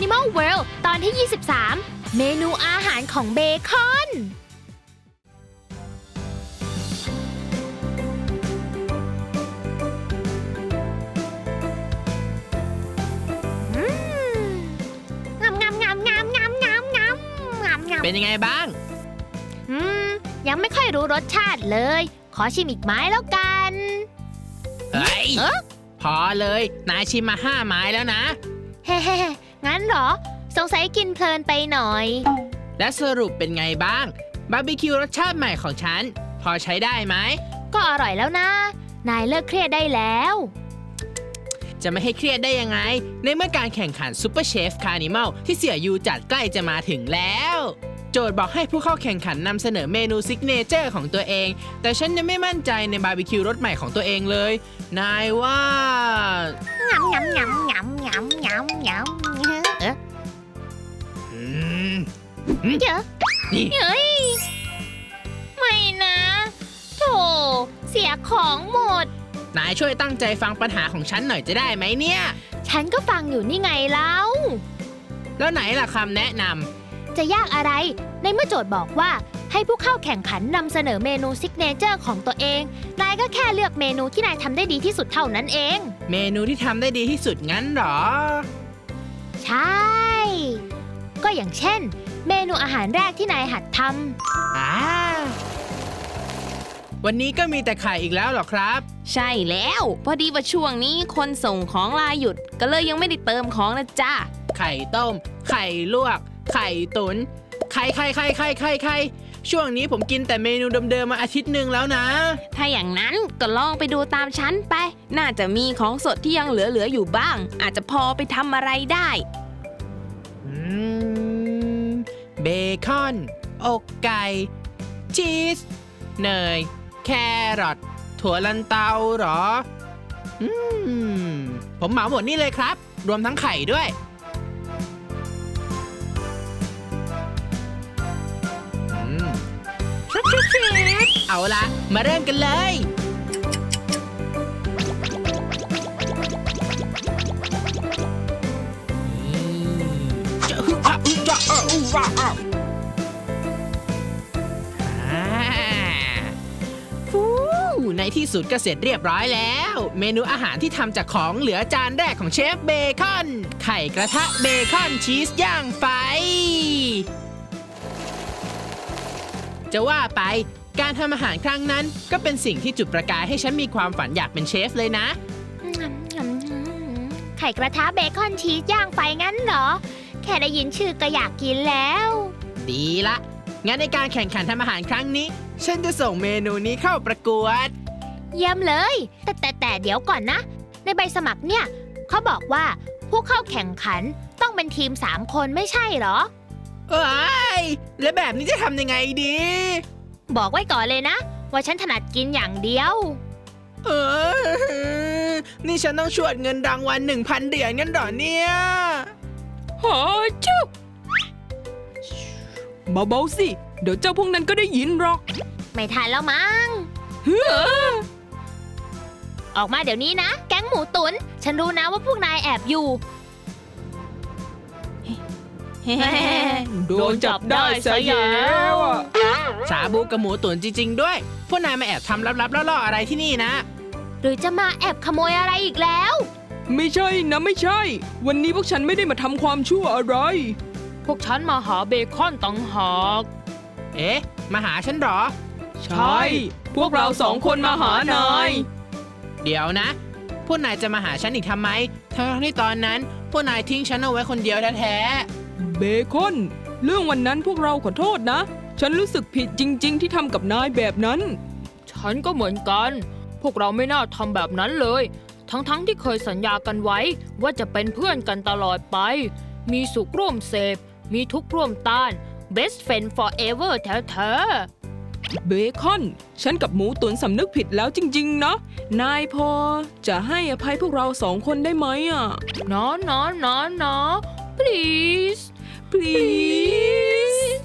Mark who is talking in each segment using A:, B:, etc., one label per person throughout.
A: Animal World ตอนที่ 23 เมนูอาหารของเบคอน
B: เป็นยังไงบ้าง
A: ยังไม่ค่อยรู้รสชาติเลยขอชิมอีกไม้แล้วกัน
B: เฮ้ยพอเลยนายชิมมา5 ไม้แล้วนะ
A: เฮ้งั้นเหรอสงสัยกินเพลินไปหน่อย
B: และสรุปเป็นไงบ้างบาร์บีคิวรสชาติใหม่ของฉันพอใช้ได้ไหม
A: ก็อร่อยแล้วนะนายเลิกเครียดได้แล้ว
B: จะไม่ให้เครียดได้ยังไงในเมื่อการแข่งขันซูเปอร์เชฟคาร์นิมัลที่เสี่ยยูจัดใกล้จะมาถึงแล้วโจทย์บอกให้ผู้เข้าแข่งขันนำเสนอเมนูซิกเนเจอร์ของตัวเองแต่ฉันยังไม่มั่นใจในบาร์บีคิวรสใหม่ของตัวเองเลยนายว่างำ
A: เดี๋ยวนี่เฮ้ยไม่นะโธ่เสียของหมด
B: นายช่วยตั้งใจฟังปัญหาของฉันหน่อยจะได้ไหมเนี่ย
A: ฉันก็ฟังอยู่นี่ไงแล้ว
B: แล้วไหนล่ะคำแนะน
A: ำจะยากอะไรในเมื่อโจทย์บอกว่าให้ผู้เข้าแข่งขันนำเสนอเมนูซิกเนเจอร์ของตัวเองนายก็แค่เลือกเมนูที่นายทำได้ดีที่สุดเท่านั้นเอง
B: เมนูที่ทำได้ดีที่สุดงั้นหรอ
A: ใช่ก็อย่างเช่นเมนูอาหารแรกที่นายหัดทำ
B: วันนี้ก็มีแต่ไข่อีกแล้วหรอครับ
C: ใช่แล้วพอดีว่าช่วงนี้คนส่งของลาหยุดก็เลยยังไม่ได้เติมของนะจ้า
B: ไข่ต้มไข่ลวกไข่ตุ๋นไข่ช่วงนี้ผมกินแต่เมนูเดิมๆมาอาทิตย์หนึ่งแล้วนะ
C: ถ้าอย่างนั้นก็ลองไปดูตามฉันไปน่าจะมีของสดที่ยังเหลืออยู่บ้างอาจจะพอไปทำอะไรได้
B: เบคอนอกไก่ชีสเนยแครอทถั่วลันเตาหรอผมเหมาหมดนี่เลยครับรวมทั้งไข่ด้วยเอาละมาเริ่มกันเลยในที่สุดก็เสร็จเรียบร้อยแล้วเมนูอาหารที่ทำจากของเหลือจานแรกของเชฟเบคอนไข่กระทะเบคอนชีสย่างไฟจะว่าไปการทำอาหารครั้งนั้นก็เป็นสิ่งที่จุดประกายให้ฉันมีความฝันอยากเป็นเชฟเลยนะ
A: ไข่กระทะเบคอนชีสย่างไฟงั้นเหรอแค่ได้ยินชื่อก็อยากกินแล้ว
B: ดีละงั้นในการแข่งขันทำอาหารครั้งนี้ฉันจะส่งเมนูนี้เข้าประกวด
A: เยี่ยมเลยแต่เดี๋ยวก่อนนะในใบสมัครเนี่ยเขาบอกว่าผู้เข้าแข่งขันต้องเป็นทีม3 คนไม่ใช่เหรอ
B: แล้วแบบนี้จะทำยังไงดี
A: บอกไว้ก่อนเลยนะว่าฉันถนัดกินอย่างเดียว
B: นี่ฉันต้องชวดเงินรางวัล 1,000 เหรียญงั้นเหรอเนี่ย
D: หาจุ๊บเบาๆสิเดี๋ยวเจ้าพวกนั้นก็ได้ยินหรอก
A: ไม่ทันแล้วมั้งออกมาเดี๋ยวนี้นะแก๊งหมูตุ๋นฉันรู้นะว่าพวกนายแอบอยู่
D: โดนจับได้ซะแล้ว
B: ชาบูกับหมูตุ๋นจริงๆด้วยพวกนายมาแอบทำลับๆล่อๆอะไรที่นี่นะ
A: หรือจะมาแอบขโมยอะไรอีกแล้ว
D: ไม่ใช่นะไม่ใช่วันนี้พวกฉันไม่ได้มาทำความชั่วอะไร
A: พวกฉันมาหาเบคอนต่างหาก
B: มาหาฉันหรอ
D: ใช่พวกเรา2 คนมาหานาย
B: เดี๋ยวนะพวกนายจะมาหาฉันอีกทำไมทั้งที่ตอนนั้นพวกนายทิ้งฉันเอาไว้คนเดียวแท้
D: ๆเบคอนเรื่องวันนั้นพวกเราขอโทษนะฉันรู้สึกผิดจริงๆที่ทำกับนายแบบนั้น
E: ฉันก็เหมือนกันพวกเราไม่น่าทำแบบนั้นเลยทั้งที่เคยสัญญากันไว้ว่าจะเป็นเพื่อนกันตลอดไปมีสุขร่วมเสพมีทุกข์ร่วมต้าน best friend forever แท้
D: เบคอนฉันกับหมูตุ๋นสำนึกผิดแล้วจริงๆนะนายพอจะให้อภัยพวกเรา2 คนได้ไหม
E: นะ please
D: please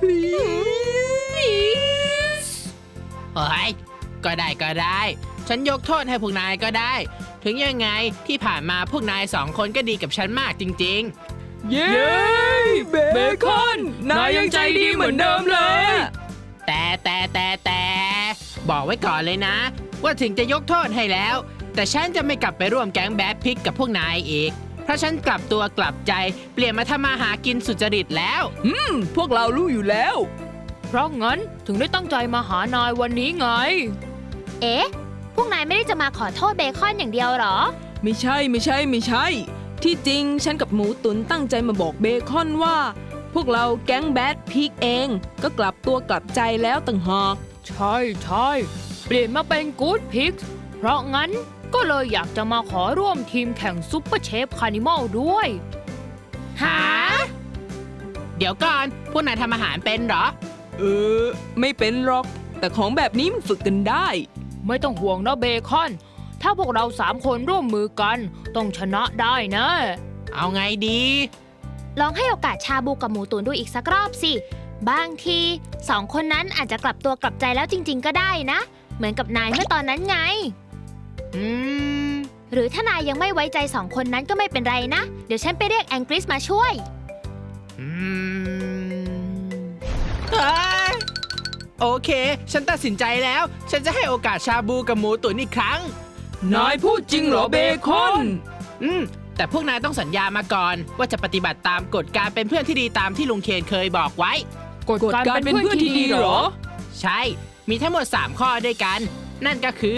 D: please
B: เฮ้ยก็ได้ฉันยกโทษให้พวกนายก็ได้ถึงยังไงที่ผ่านมาพวกนาย2 คนก็ดีกับฉันมากจริงๆ
D: เย้เบคอนนายยังใจดีเหมือนเดิมเลย
B: แต่บอกไว้ก่อนเลยนะ ว่าถึงจะยกโทษให้แล้ว แต่ฉันจะไม่กลับไปร่วมแก๊งแบดพิกกับพวกนายอีก เพราะฉันกลับตัวกลับใจเปลี่ยนมาทำมาหากินสุจริตแล้ว
D: พวกเรารู้อยู่แล้ว
E: เพราะงั้นถึงได้ตั้งใจมาหานายวันนี้ไง
A: เอ๊ะ พวกนายไม่ได้จะมาขอโทษเบคอนอย่างเดียวเหรอ
D: ไม่ใช่ ที่จริงฉันกับหมูตุ๋นตั้งใจมาบอกเบคอนว่า พวกเราแก๊งแบดพีกเองก็กลับตัวกลับใจแล้วต่างหาก
E: ใช่เปลี่ยนมาเป็นกู๊ดพิกเพราะงั้นก็เลยอยากจะมาขอร่วมทีมแข่งซุปเปอร์เชฟคานิมอลด้วย
B: หา เดี๋ยวก่อน พวกนายทำอาหารเป็นเหรอ
D: ไม่เป็นหรอก แต่ของแบบนี้มันฝึกกันได้
E: ไม่ต้องห่วงนะเบคอน ถ้าพวกเรา3 คนร่วมมือกันต้องชนะได้นะ
B: เอาไงดี
A: ลองให้โอกาสชาบูกับหมูตุ๋นดูอีกสักรอบสิ บางที2 คนนั้นอาจจะกลับตัวกลับใจแล้วจริงๆก็ได้นะ เหมือนกับนายเมื่อตอนนั้นไง
B: อืม
A: หรือถ้านายยังไม่ไว้ใจ2 คนนั้นก็ไม่เป็นไรนะ เดี๋ยวฉันไปเรียกแองกริสมาช่วย
B: อืมเอ้ยโอเค ฉันตัดสินใจแล้ว ฉันจะให้โอกาสชาบูกับหมูตุ๋นอีกครั้ง
D: นายพูดจริงเหรอเบคอน
B: แต่พวกนายต้องสัญญามาก่อน ว่าจะปฏิบัติตามกฎการเป็นเพื่อนที่ดีตามที่ลุงเคนเคยบอกไว้
E: กฎการเป็นเพื่อนที่ดีเหรอ
B: ใช่ มีทั้งหมด 3 ข้อด้วยกัน นั่นก็คือ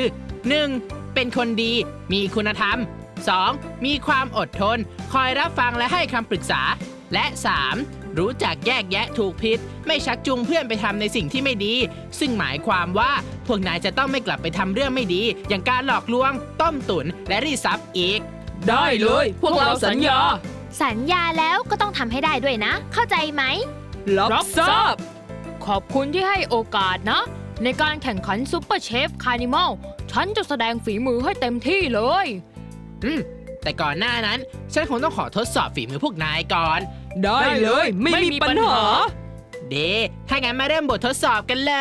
B: 1. เป็นคนดี มีคุณธรรม 2. มีความอดทน คอยรับฟังและให้คำปรึกษา และ 3. รู้จักแยกแยะถูกผิด ไม่ชักจูงเพื่อนไปทำในสิ่งที่ไม่ดี ซึ่งหมายความว่าพวกนายจะต้องไม่กลับไปทำเรื่องไม่ดี อย่างการหลอกลวง ต้มตุ๋นและรีดทรัพย์อีก
D: ได้เลย พวกเราสัญญา
A: สัญญาแล้วก็ต้องทำให้ได้ด้วยนะ เข้าใจไหม
D: รับทราบ
E: ขอบคุณที่ให้โอกาสนะ ในการแข่งขันซุปเปอร์เชฟคานิมอลฉันจะแสดงฝีมือให้เต็มที่เลย
B: แต่ก่อนหน้านั้น ฉันคงต้องขอทดสอบฝีมือพวกนายก่อน
D: ได้เลย ไม่มีปัญหา
B: ถ้างั้นมาเริ่มบททดสอบกันเลย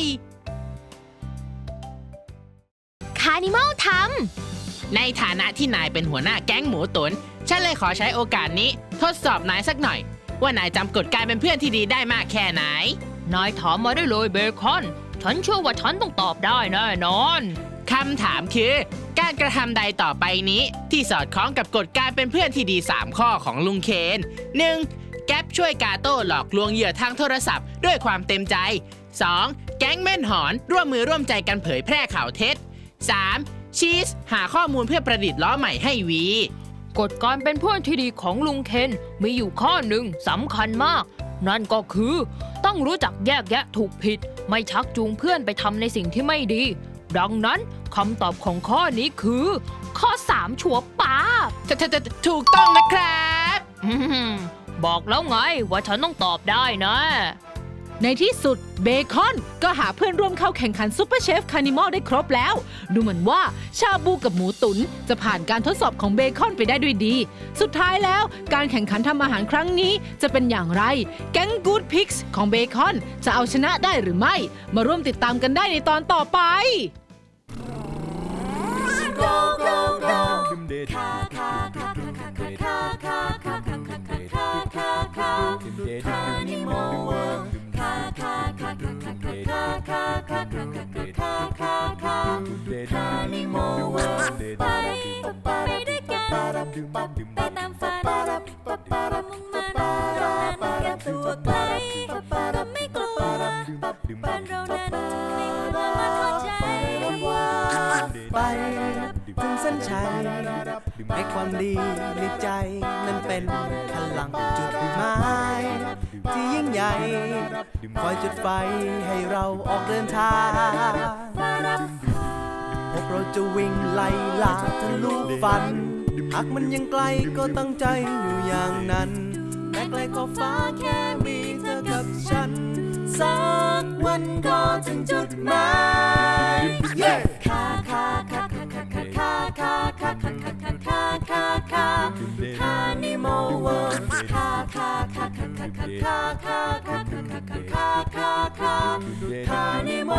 A: คานิมอลท
B: ในฐานะที่นายเป็นหัวหน้าแก๊งหมูตุน ฉันเลยขอใช้โอกาสนี้ ทดสอบนายสักหน่อย ว่านายจำกฎการเป็นเพื่อนที่ดีได้มากแค่ไหน
E: นายถามมาได้เลยเบคอน ฉันเชื่อว่าฉันต้องตอบได้แน่นอน
B: คำถามคือ การกระทำใดต่อไปนี้ ที่สอดคล้องกับกฎการเป็นเพื่อนที่ดี 3 ข้อของลุงเคน 1. แก๊ปช่วยกาโต้หลอกลวงเหยื่อทางโทรศัพท์ด้วยความเต็มใจ 2. แก๊งแม่นหอนร่วมมือร่วมใจกันเผยแพร่ข่าวเท็จ 3. ชีสหาข้อมูลเพื่อประดิษฐ์ล้อใหม่ให้วี
E: กฎการเป็นเพื่อนที่ดีของลุงเคนมีอยู่ข้อหนึ่งสำคัญมาก นั่นก็คือ ต้องรู้จักแยกแยะถูกผิด ไม่ชักจูงเพื่อนไปทำในสิ่งที่ไม่ดี ดังนั้นคำตอบของข้อนี้คือ ข้อ 3 ชัวร์ป้าบ
B: ถูกต้องนะครับ
E: บอกแล้วไงว่าฉันต้องตอบได้นะ
F: ในที่สุดเบคอนก็หาเพื่อนร่วมเข้าแข่งขันซุปเปอร์เชฟคานิมอลได้ครบแล้ว ดูเหมือนว่าชาบูกับหมูตุ๋นจะผ่านการทดสอบของเบคอนไปได้ด้วยดี สุดท้ายแล้วการแข่งขันทำอาหารครั้งนี้จะเป็นอย่างไร แก๊งกู๊ดพิกส์ของเบคอนจะเอาชนะได้หรือไม่ มาร่วมติดตามกันได้ในตอนต่อไป
G: ไปด้วยกันไปตามฝันมุ่งมั่นเรานั้นกับตัวไกลไม่กลัวบ้านเรานั้นไม่กลัวมาเข้าใจ
H: ไปถึงเส้นชัยให้ความดีในใจนั้นเป็นพลังจุดหมายที่ยิ่งใหญ่คอยจุดไฟให้เราออกเดินทางพวกเราจะวิ่งไล่ล่าทะลุฝันหากมันยังไกลก็ตั้งใจอยู่อย่างนั้นแม้ไกลขอบฟ้าแค่มีเธอกับฉันสักวันก็ถึงจุดหมายคานิมอลเวิลด์คานิมอ